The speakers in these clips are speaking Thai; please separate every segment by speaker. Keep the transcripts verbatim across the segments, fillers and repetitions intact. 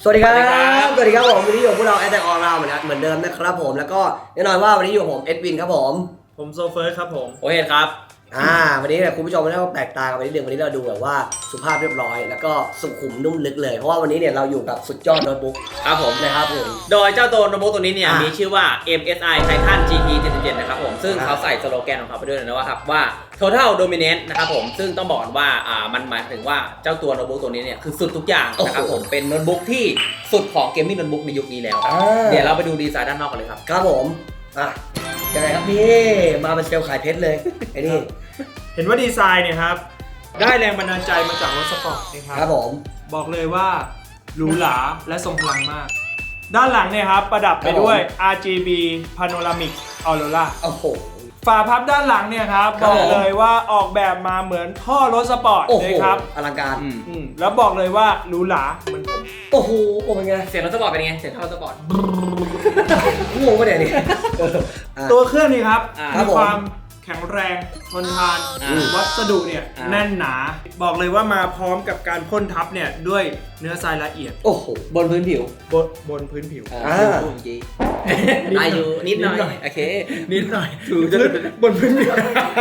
Speaker 1: สวัสดีครับสวัสดีครับผมวันนี้อยู่พวกเราแอดแทกออนไลน์เหมือนเหมือนเดิมนะครับผมแล้วก็แน่นอนว่าวันนี้อยู่ผมเอ็ดวินครับผม
Speaker 2: ผมโซเฟิร์สครับผม
Speaker 3: โอเคครับ
Speaker 1: อ่าวันนี้เนี่ยคุณผู้ชมไม่ได้แปลกตากันไปนิดนึงวันนี้เราดูแบบว่าสุภาพเรียบร้อยแล้วก็สุขุมนุ่มลึกเลยเพราะว่าวันนี้เนี่ยเราอยู่กับสุดยอดโน้ตบุ๊ก
Speaker 3: ครับผม
Speaker 1: นะครับผม
Speaker 3: โดยเจ้าตัวโน้ตบุ๊กตัวนี้เนี่ยมีชื่อว่า เอ็ม เอส ไอ Titan จี ที เจ็ดสิบเจ็ดนะครับผมซึ่งเขาใส่สโลแกนของเขาไปด้วยนะว่าครับว่า Total Dominance นะครับผมซึ่งต้องบอกว่าอ่ามันหมายถึงว่าเจ้าตัวโน้ตบุ๊กตัวนี้เนี่ยคือสุดทุกอย่างนะครับผมเป็นโน้ตบุ๊กที่สุดของเกมมิ่งโน้ตบุ๊กในยุคนี้แล้วเดี๋ยวเราไปดูดีไซน์ด้านนอกกันเลยครับ
Speaker 1: ครับผมอ่ะยังไงครับนี่มาเป็นเซลล์ขายเพชรเลยไอ้นี่
Speaker 2: เห็นว่าดีไซน์เนี่ยครับได้แรงบันดาลใจมาจากรถสปอร์ตนะครับ
Speaker 1: ครับผม
Speaker 2: บอกเลยว่าหรูหราและทรงพลังมากด้านหลังเนี่ยครับประดับไปด้วย อาร์ จี บี Panoramic Aurora
Speaker 1: โอ้โห
Speaker 2: ฝาพับด้านหลังเนี่ยครับบอกเลยว่าออกแบบมาเหมือนท่อรถสปอร์ตเลยครับ
Speaker 1: อลังการ
Speaker 2: แล้วบอกเลยว่าหรูหราเหมือนผม
Speaker 1: โอ้โหโอ้เป็นไง
Speaker 3: เสียงรถสปอร์ตเป็นไงเสียงท่อรถสปอร์ต
Speaker 1: งงปะเนี่ยนี่
Speaker 2: ตัวเครื่องนี่ครับมีความแข็งแรงทนทานวัสดุเนี่ยแน่นหนาบอกเลยว่ามาพร้อมกับการพ่นทับเนี่ยด้วยเนื้อทรายละเอียด
Speaker 1: โอ้โห
Speaker 3: บนพื้นผิว
Speaker 2: บนบนพื้นผิว
Speaker 1: อ่า
Speaker 3: อายุนิดหน่อยโอเค
Speaker 2: นิดหน่อยถูกบนพื้นผิว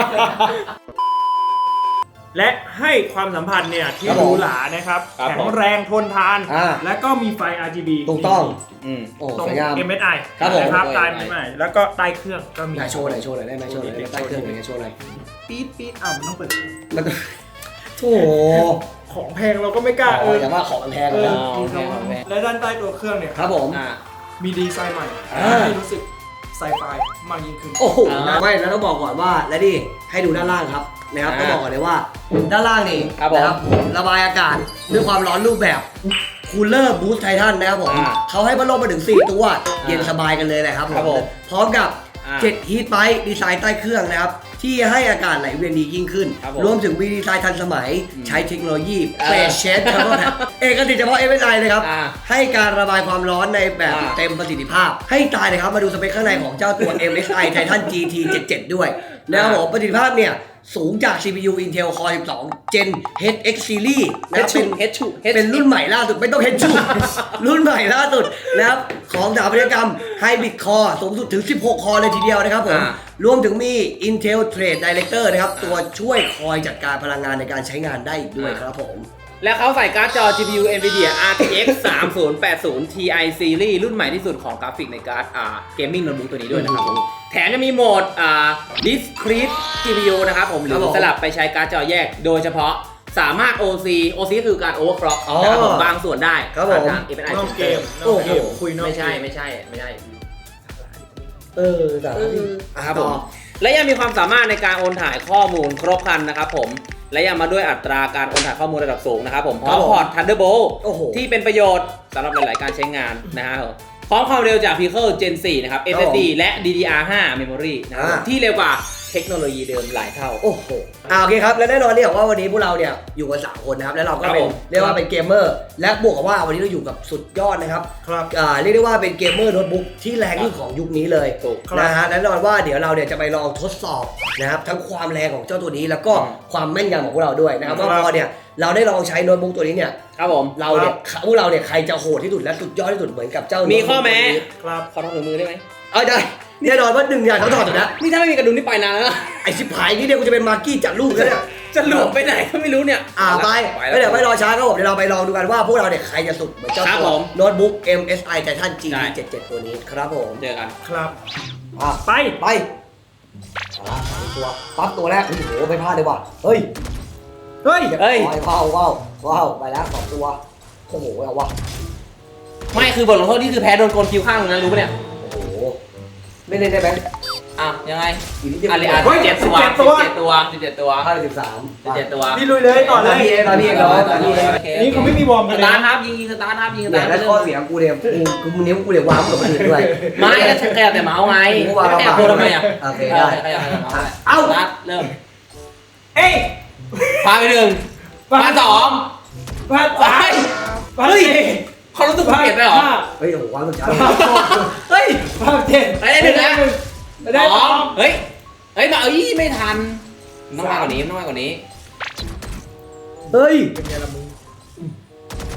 Speaker 2: และให้ความสัมพันธ์เนี่ยที่หรูหรานะครับแข็งแรงทนทานและก็มีไฟ อาร์ จี บี
Speaker 1: ถูกต้อง
Speaker 2: ตรง เอ็ม เอส ไอ นะครับใต้ไม่ไม่แล้วก็ใต้เครื่องก็มี
Speaker 1: โชว์หน่อยโชว์หน่อยได้ไหมโชว์หน่อยใต้เครื่องหน่อยโชว์หน่อย
Speaker 2: ปี๊ดปี๊ดอ่ะมันต้องเปิด
Speaker 1: มันโถ
Speaker 2: ของแพงเราก็ไม่กล้าเออ
Speaker 1: แต่ว่าของแพงแล้ว
Speaker 2: และด้านใต้ตัวเครื่องเนี่ย
Speaker 1: ครับผม
Speaker 2: มีดีไซน์ใหม่ให้รู้สึกไซไฟมากยิ่งขึ้น
Speaker 1: โอ้โหไม่แล้วต้องบอกก่อนว่าและนี่ให้ดูด้านล่างครับนะครับต้องบอกก่อนเลยว่าด้านล่างนี่นะครับระบายอากาศด้วยความร้อนรูปแบบคูลเลอร์บูสต์ไททันนะครับผมเขาให้พัดลมมาถึงสี่ตัวเย็นสบายกันเลยแหละครับผมพร้อมกับเจ็ดฮีทไพป์ดีไซน์ใต้เครื่องนะครับที่ให้อากาศไหลเวียนดียิ่งขึ้นรวมถึงวีดีไซน์ทันสมัยใช้เทคโนโลยีเฟสเชดครับเอกสิทธิ์เฉพาะ เอ็ม เอส ไอ เลยครับให้การระบายความร้อนในแบบเต็มประสิทธิภาพให้ตายเลยครับมาดูสเปคข้างในของเจ้าตัว เอ็ม เอส ไอ Titan จี ที เจ็ดสิบเจ็ด ด้วยนะครับผมประสิทธิภาพเนี่ยสูงจาก ซี พี ยู Intel Core สิบสอง Gen เอช เอ็กซ์ Series นะครับเป็น เป็นรุ่นใหม่ล่าสุดไม่ต้อง เอช รุ่นใหม่ล่าสุดนะครับของสถาปัตยกรรม Hybrid Core สูงสุดถึงสิบหกคอเลยทีเดียวนะครับผมรวมถึงมี Intel Trade Director นะครับตัวช่วยคอยจัดการพลังงานในการใช้งานได้อีกด้วยครับผม
Speaker 3: และเขาใส่การ์ดจอ จี พี ยู Nvidia อาร์ ที เอ็กซ์ สามศูนย์แปดศูนย์ ที ไอ Series รุ่นใหม่ที่สุดของกราฟิกในการ์ดอ่าเกมมิ่งโน้ตบุ๊กตัวนี้ด้วยนะครับผมแถมจะมีโหมดอ่า Discrete จี พี ยู นะครับผมหรือสลับไปใช้การ์ดจอแยกโดยเฉพาะสามารถ โอ ซี โอ ซี คือการ Overclock นะครับผมบางส่วนได้
Speaker 1: ครับผม
Speaker 3: เอฟ เอส ไอ
Speaker 2: นอกเกม
Speaker 1: โอ้โห
Speaker 2: คุยนอก
Speaker 3: ไม่ใช่ไม่ใช่ไม่ใช่
Speaker 1: เออแต่
Speaker 3: ครับผมและยังมีความสามารถในการโอนถ่ายข้อมูลครบครันนะครับผมและยังมาด้วยอัตราการโอนถ่ายข้อมูลระดับสูงนะครับผมพร้อมพอร์ต Thunderbolt ที่เป็นประโยชน์สำหรับหลายๆการใช้งานนะฮะพร้อมความเร็วจาก Pico Gen สี่นะครับ เอส เอส ดี และ ดี ดี อาร์ ไฟว์ Memory นะครับที่เร็วกว่าเทคโนโลยีเดิมหลายเท่า
Speaker 1: โอ้โหอ่าโอเคครับและแน่นอนเนี่ยว่าวันนี้พวกเราเนี่ยอยู่กันสามคนนะครับและเราก็เป็นเรียกว่าเป็นเกมเมอร์และบวกกับว่าวันนี้เราอยู่กับสุดยอดนะครับ
Speaker 2: ครับ
Speaker 1: อ่าเรียกได้ว่าเป็นเกมเมอร์โน้ตบุ๊กที่แรงที่สุดของยุคนี้เลยนะฮะแน่นอนว่าเดี๋ยวเราเนี่ยจะไปลองทดสอบนะครับทั้งความแรงของเจ้าตัวนี้แล้วก็ความแม่นยำของพวกเราด้วยนะครับว่าพอเนี่ยเราได้ลองใช้โน้ตบุ๊กตัวนี้เนี่ย
Speaker 3: ครับผม
Speaker 1: เราเนี่ยพวกเราเนี่ยใครจะโหดที่สุดและสุดยอดที่สุดเหมือนกับเจ้า
Speaker 3: มีข้อแม้
Speaker 2: ครับ
Speaker 3: ขอทำมือได้ไหม
Speaker 1: เอาได้แน่นอนว่าหนึ่งอย่างเขาถอดอยู่แล้ว
Speaker 3: นี่ถ้าไม่มีกระดุมนี่ไปนานแล้ว
Speaker 1: ไอชิบหายนี่เดี๋ยวกูจะเป็นมาร์กี้จัดลูกแล้วเนี่ย
Speaker 3: จะหลบไปไหนก็ไม่รู้เนี่ย
Speaker 1: อ่าไปไม่เดี๋ยวไม่รอช้าครับผมเดี๋ยวเราไปลองดูกันว่าพวกเราเนี่ยใครจะสุดเหมือนเจ้าตัวโน้ตบุ๊ก เอ็ม เอส ไอ Titan จี ที เจ็ดสิบเจ็ด ตัวนี้ครับผม
Speaker 3: เจอกัน
Speaker 2: ครับ
Speaker 1: อ่ะ
Speaker 2: ไป
Speaker 1: ไปตัวปั๊บตัวแรกโอ้โหไม่พลาดเลยว่ะเฮ้ย
Speaker 2: เฮ้ย
Speaker 1: เฮ้ยว้าวว้าวว้าวไปแล้วสองตัวโอ้โหเอาวะ
Speaker 3: ไม่คือบทลงโทษนี่คือแพ้โดนโกนคิวข้างนั้นรู้ปะเนี่ย
Speaker 1: โอ้โหไม่เล่นได้ไหม
Speaker 3: อ่ะยังไง
Speaker 1: อะไร
Speaker 3: อ่ะเจ็ดตัวเจ็ดตัวสิบเจ็ดตัว
Speaker 1: ห้าสิบสาม
Speaker 3: สิบเจ็ดตัว
Speaker 2: พี่ลุยเลยต่อเลย
Speaker 1: พี่เองพี่เอง
Speaker 2: นี่เขาไม่มีวอร์มกัน
Speaker 3: เลยสตาร์ทครับยิงสตาร์ทครับยิงสตาร์ท
Speaker 1: แล้วข้อเสียงกูเนี่ยกูมึงนิ้วกูเนี่ยวางกับคนอื่นด้วย
Speaker 3: ไม่แล้วแค่แต่เมาส์ไงแค่ตัวทำไมอ่ะ
Speaker 1: โอเคได้
Speaker 3: เอ้าสตาร์ทเริ่ม
Speaker 2: เอ้ย
Speaker 3: พาไปหนึ่งพาสอง
Speaker 2: พาสาม
Speaker 3: เฮ้ยเขารู้สึกเปลี่ยนไปหรอ
Speaker 1: เฮ้ยโอ้โหวางสุดช้า
Speaker 3: เฮ้ย
Speaker 2: พาเจ็ด
Speaker 3: ไปได้หนึ่งนะสองเฮ้ยเฮ้ยมาเอ้ยไม่ทันต้องมากกว่านี้ต้องมากกว่านี้
Speaker 1: เฮ้ย
Speaker 2: เป็นไงล่ะมึง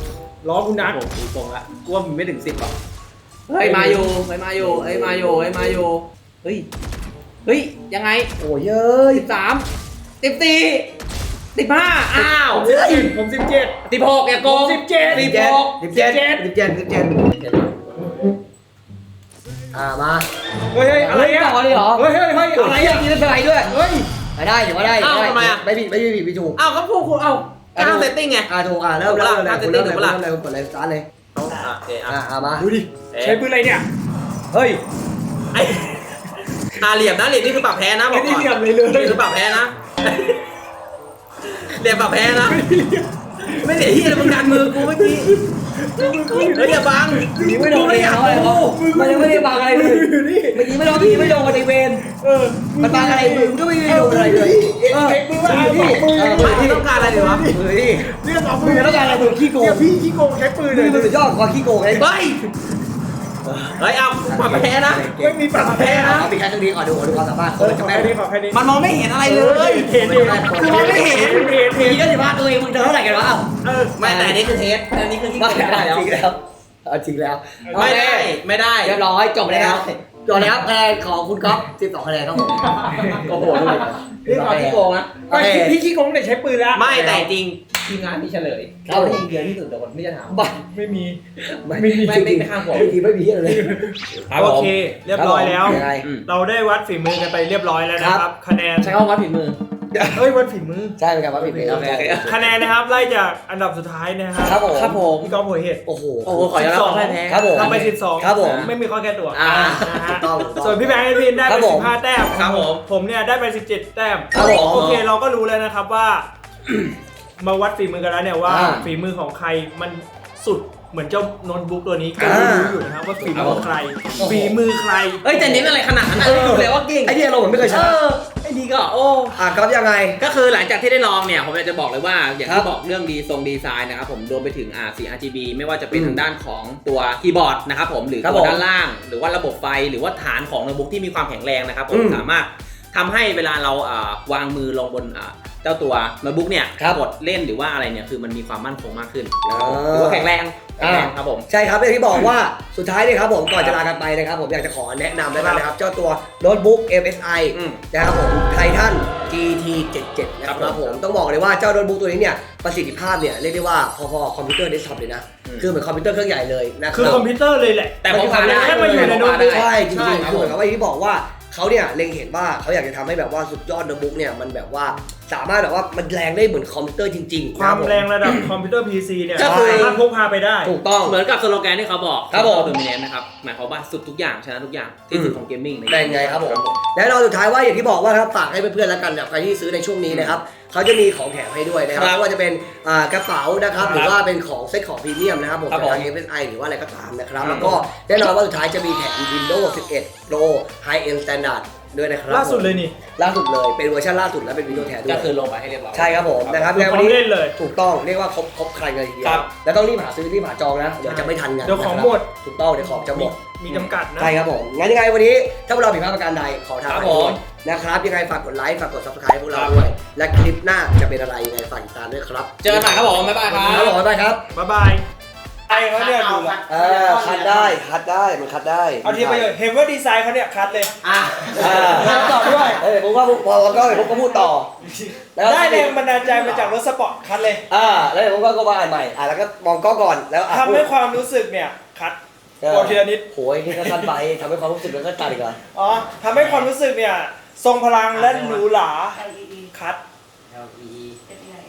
Speaker 2: ล้อกูนัด
Speaker 3: ผมตีตรงละกูว่ามันไม่ถึงสิบหรอกเฮ้ยมาอยู่เฮ้ยมาอยู่เฮ้ยมาอยู่เฮ้ยมาอยู่เฮ้ยเฮ้ยยังไง
Speaker 1: โอ้ยเย้ย
Speaker 3: สิบสามสิบสี่สิบห้าอ้าว
Speaker 2: ผมสิบเจ็ด
Speaker 3: สิบหกอย่าโกง
Speaker 2: สิบเจ็ด
Speaker 3: สิบหก
Speaker 1: สิบเจ็ดสิบเจ็ดสิบเจ็ดอ่ามา
Speaker 2: เฮ้ยอะไรอ่ะ
Speaker 1: ต่อเลยเหรอ
Speaker 2: เฮ้ยเฮ้ยเฮ้ยอะไรอ่ะ
Speaker 1: กินอะไรด้วย
Speaker 2: เฮ้ย
Speaker 1: ไม่ได้ถือว่าได้
Speaker 3: อ้าวทำไมอ่ะ
Speaker 1: ไม่ผิดไม่ผิดไม่ถูก
Speaker 3: อ้าวก็พูดคุณเอาตั้งเซตติ้งไง
Speaker 1: อ่าถูกอ่าเริ่มเริ่มเลย
Speaker 3: ตั้ง
Speaker 1: คุณเริ่มเลย
Speaker 3: setting
Speaker 1: คุณเริ่มเลยคุณกดเลยสตาร์ทเลย
Speaker 3: โอเค
Speaker 1: อ่า
Speaker 3: อ่ะ
Speaker 1: อ่ามา
Speaker 2: ดูดิใช้ปืนอะไรเนี่ย
Speaker 1: เฮ้ย
Speaker 3: ไอ้อาเหลี่ยมนะเหลี่ยมนี่คือปรับแพ้นะบอก
Speaker 2: ไม่
Speaker 3: ก่
Speaker 2: ได้
Speaker 3: อน
Speaker 2: เหลี่ยมเลยเลย
Speaker 3: นี่คือปรับแพ้นะเหลี่ยมปรับแพ้นะไม่เหลี่ยมที่อะไรมึงดันมือกูเมื่อกี้เฮ้ยอย่าบัง
Speaker 1: ไม่โดนเลยเขาเลยมันยังไม่ได้บังอะไรเลยเมื่อกี้ไม่โดนพี่ไม่โดนในเวร
Speaker 2: เออ
Speaker 1: มันบังอะไรมือก็ไม่ได้โดนอะไรเลยเออ
Speaker 2: เช็คมือว่าเอา
Speaker 1: พี่
Speaker 2: ปืน
Speaker 1: เออ
Speaker 3: ไม่ที่ต้องการอะไรดีวะ
Speaker 1: เฮ้ย
Speaker 2: เรื่องเอาปื
Speaker 1: มึ
Speaker 2: น
Speaker 1: งต้องการอะไรมึงขี้โกง
Speaker 2: เนี่ยพี่ขี้โกงใช้ปืนเล
Speaker 1: มึ
Speaker 2: ย
Speaker 1: งมันสุดยอดความขี้โกงเลย
Speaker 3: เฮ้ยเฮ้ยเอาปรับแพ้นะ
Speaker 2: ไม่มีปากแพ้นะ
Speaker 1: เอาปิดแค่ตรงนี้ก่อนดูดูความสามารถ
Speaker 2: เออขอแค่นี้ขอแค่นี้
Speaker 3: มันมองไม่เห็นอะไรเลย
Speaker 2: เห็นดิ
Speaker 3: คือมองไม่เห็น
Speaker 2: เห็นเห็น
Speaker 1: ผีก็สิบห้าตัวเองมึงเดินเท่าไหร่กันวะ
Speaker 2: เออ
Speaker 3: ไม่แต่อันนี้คือเทสอันนี้คือที่
Speaker 1: ไม่
Speaker 3: ไม่ได้แล้ว
Speaker 1: จริงแล้วเอาจริงแล้ว
Speaker 3: ไม่ได้ไม่ได้
Speaker 1: เรียบร้อยจบแล้วจบแล้วคะแนนของคุณก๊อฟสิบสองคะแนนครับผม
Speaker 3: โอ้โหดูนี่เอาที่โกงนะ
Speaker 2: ไม่พี่ขี้โกงแต่ใช้ปืนแล้ว
Speaker 3: ไม่แต่จริงทีมงานมีเฉลยเขาได้ยิงเดียวที่สุดแต่คนไม่จะถาม
Speaker 1: บ้า
Speaker 2: ไม่มี
Speaker 1: ไม่
Speaker 2: ไม่มี
Speaker 3: ไม่ไม่ไม่ข้ามผม
Speaker 1: ไม่มีไม่มีอะไรเลย
Speaker 2: โอเค เรียบร้อยแล้ว
Speaker 1: ยังไง
Speaker 2: เราได้วัดฝีมือกันไปเรียบร้อยแล้วนะครับ คะแนน
Speaker 3: ใช้คำว่าวัดฝีมือ
Speaker 2: เฮ้ยวัดฝีมือ
Speaker 1: ใช่เป็นการว่าผิดไปแล้ว
Speaker 3: โอเคโอเค
Speaker 2: คะแนนนะครับไล่จากอันดับสุดท้ายนะครับ
Speaker 1: ครับผม
Speaker 3: ครับผม
Speaker 2: พี่ก๊อฟหัวเห็ด
Speaker 1: โอ้โห
Speaker 3: โอ้โหขอย้อนรับแพ้แพ้
Speaker 1: ครับผม
Speaker 2: ทำไปสิบสอง
Speaker 1: ครับผม
Speaker 2: ไม่มีข้อแก้ตัว
Speaker 3: อ่า
Speaker 2: นะฮะ
Speaker 1: ถูกต้องถูกต้อง
Speaker 2: ส่วนพี่แบงค์ไอพินได้
Speaker 1: ครั
Speaker 2: ไป
Speaker 1: บผม
Speaker 2: สิบห้าแต้ม
Speaker 3: ครับผม
Speaker 2: ผมเนี่ยได้ไปสิบเจ็ดแต้ม
Speaker 1: ครับผม
Speaker 2: โอเคเราก็รู้แล้วนะครับว่า มาวัดฝีมือกันแล้วเนี่ยว่า
Speaker 1: อ่า
Speaker 2: ฝีมือของใครมันสุดเหมือนเจ้าโน้ตบุ๊กตัวนี้ก็
Speaker 1: อ่า
Speaker 2: รู้อยู่นะครับว่าฝีมือของใคร ฝีมือใคร
Speaker 3: เอ้ยแต่เน้นอะไรขนาดนั้นนะดูเลยว่าเก่ง
Speaker 1: ไอ้เนี่ยเราเหมือนไม่เคยช
Speaker 3: เอ
Speaker 1: นะ
Speaker 3: อไอ้นี่ก็โอ้
Speaker 1: อ่ะก๊อฟยังไง
Speaker 3: ก็คือหลังจากที่ได้ลองเนี่ยผมอยากจะบอกเลยว่าอย่าง
Speaker 1: ครั
Speaker 3: ที่
Speaker 1: บ
Speaker 3: บอกเรื่องดีทรงดีไซน์นะครับผมรวมไปถึงอ่าสี อาร์ จี บี ไม่ว่าจะเป็น
Speaker 1: อืม
Speaker 3: ทางด้านของตัวคีย์บอร์ดนะครับผมหรือ
Speaker 1: ครับ
Speaker 3: ตัว
Speaker 1: ผม
Speaker 3: ด้านล่าง หรือว่าระบบไฟหรือว่าฐานของโน้ตบุ๊กที่มีความแข็งแรงนะครับผ
Speaker 1: อื
Speaker 3: ม
Speaker 1: ม
Speaker 3: สามารถทำให้เวลาเราอ่าวางมือลงบนอ่าเจ้าตัวโน้ตบุ๊กเนี่ย
Speaker 1: ครับ
Speaker 3: กดเล่นหรือว่าอะไรเนี่ยคือมันมีความมั่นคงมากขึ้น
Speaker 1: อ่า
Speaker 3: หรือว่าแข็งแรงแข็งแรงครับผม
Speaker 1: ใช่ครับอย่างที่บอกว่าสุดท้ายเนี่ยครับผมก่อนจะลากันไปนะครับผมอยากจะขอแนะนำแล้วกันนะครับเจ้าตัวโน้ตบุ๊ก เอ็ม เอส ไอ
Speaker 3: อืม
Speaker 1: นะครับผมไททัน จี ที เจ็ดสิบเจ็ด นะค
Speaker 3: ครั
Speaker 1: รับบ
Speaker 3: ผม
Speaker 1: ผมต้องบอกเลยว่าเจ้าโน้ตบุ๊กตัวนี้เนี่ยประสิทธิภาพเนี่ยเรียกได้ว่าพอๆคอมพิวเตอร์เดสก์ท็อปเลยนะ
Speaker 3: อืม
Speaker 1: คือเหมือนคอมพิวเตอร์เครื่องใหญ่เลยนะค
Speaker 2: คือ
Speaker 1: รับ
Speaker 2: คอมพิวเตอร์เลยแหละ
Speaker 3: แต่พกพาได้
Speaker 2: แค่มาอยู่ในโน้ตบุ๊ก
Speaker 1: ใช่จริง
Speaker 3: ใช่
Speaker 1: ๆ
Speaker 3: ครับ
Speaker 1: คือเหมือนกับว่าอย่างที่บอกว่าเขาเนี่ยเล็งเห็นว่าเขาอยากจะทำให้แบบว่าสุดยอดโน้ตบุ๊กเนี่ยมันแบบว่าสามารถแบบว่ามันแรงได้เหมือนคอมพิวเตอร์จริงๆ
Speaker 2: ความ
Speaker 1: นะบผ
Speaker 2: แรงระดับคอมพิวเตอร์ พี ซี เนี่ย
Speaker 3: ก็คือ
Speaker 2: สามารถพกพาไปได้
Speaker 1: ถูกต้อง
Speaker 3: เหมือนกับสโลแกนที่เขาบอก
Speaker 1: ครับผม
Speaker 3: โดมิเนนนะครับหมายความว่าสุดทุกอย่างชนะทุกอย่างที่สุดของเกมมิ่ง
Speaker 1: ได้ไงครับผมและเราสุดท้ายว่าอย่างที่บอกว่านะครับฝากให้เพื่อนๆแล้วกันนะใครที่ซื้อในช่วงนี้นะครับเขาจะมีของแถมให้ด้วยนะครับ
Speaker 3: ครับ
Speaker 1: ไม่ว่าจะเป็นอ่ากระเป๋านะครับ
Speaker 3: ครับ
Speaker 1: หรือว่าเป็นของเซ็ตของพรีเมียมนะครับผม
Speaker 3: ครับ
Speaker 1: จากทาง
Speaker 3: ผม
Speaker 1: เอ เอส ไอ หรือว่าอะไรก็ตามนะครับ
Speaker 3: ครับ
Speaker 1: แล้วก็แน่นอนว่าสุดท้ายจะมีแถม Windows สิบเอ็ด Pro High End Standard ด้วยนะครับ
Speaker 2: ล่าสุดเลยนี่
Speaker 1: ล่าสุดเลยเป็นเวอร์ชันล่าสุดและเป็น Windows แถมด้ว
Speaker 3: ก็
Speaker 1: ย
Speaker 3: คือลงไปให้เรียบร้อย
Speaker 1: ใช่ครับผมนะครับ
Speaker 2: คือ
Speaker 1: ใน
Speaker 2: พ
Speaker 1: วั
Speaker 2: ร้
Speaker 1: น
Speaker 2: อม
Speaker 1: นี้
Speaker 2: เล่นเลย
Speaker 1: ถูกต้องเรียกว่าครบครบใครเลยทีเดีย
Speaker 3: ครั
Speaker 1: ว
Speaker 3: บ
Speaker 1: แล้วต้องรีบหาซื้อรีบหาจองนะเดี๋ยวจะไม่ทันงาน
Speaker 2: เดี๋ยวของ
Speaker 1: นะครับ
Speaker 2: หมด
Speaker 1: ถูกต้องเดี๋ยวของจะหมด
Speaker 2: มีจำกัดนะ
Speaker 1: ใช่ครับผม งั้นยังไงวันนี้ถ้าพวกเราผิดพลาดประการใดขอทาง
Speaker 3: ครับ
Speaker 1: ไปด้วย
Speaker 3: ผม
Speaker 1: นะครับ ยังไงฝากกดไลค์ฝากกด subscribe พวกเรา
Speaker 3: ครับ
Speaker 1: ด้วย และคลิปหน้าจะเป็นอะไรยังไงฝากติดตามด้วยครับ
Speaker 3: เจอกันใหม่ครับผมบ๊ายบายครั
Speaker 1: ครับ
Speaker 3: บ
Speaker 1: ผมบ๊ายบายครับ
Speaker 2: บ๊ายบายไอ้เขาเนี่ยดูละ
Speaker 1: เออคัดได้คัดได้มันคัดได้
Speaker 2: เอาทีไปเลยเห็นว่าดีไซน์เขาเนี่ยคัดเลย
Speaker 3: อ่ะ
Speaker 1: อ่า
Speaker 2: คัดต่อด้วย
Speaker 1: เออผมว่าพอก็ผมก็พูดต่อแล้ว
Speaker 2: ได้แรงบันดาลใจมาจากรถสปอร์ตคัดเลย
Speaker 1: อ่าแล้วเดี๋ยวผมก็ก็ว่าอ่านใหม่อ่าแล้วก็มองกล้องก่อนแล้วอ่ะ
Speaker 2: ทำให้ความรู้สึกเนี่ยคัด
Speaker 1: เออ
Speaker 2: บอกทีละนิด
Speaker 1: โหยนี่ก็สั้นไปทำให้ความรู้สึกมันก็ตัดอีกเหรอ
Speaker 2: อ๋อทำให้ความรู้สึกเนี่ยทรงพลังและหรูหราคัด
Speaker 4: L E E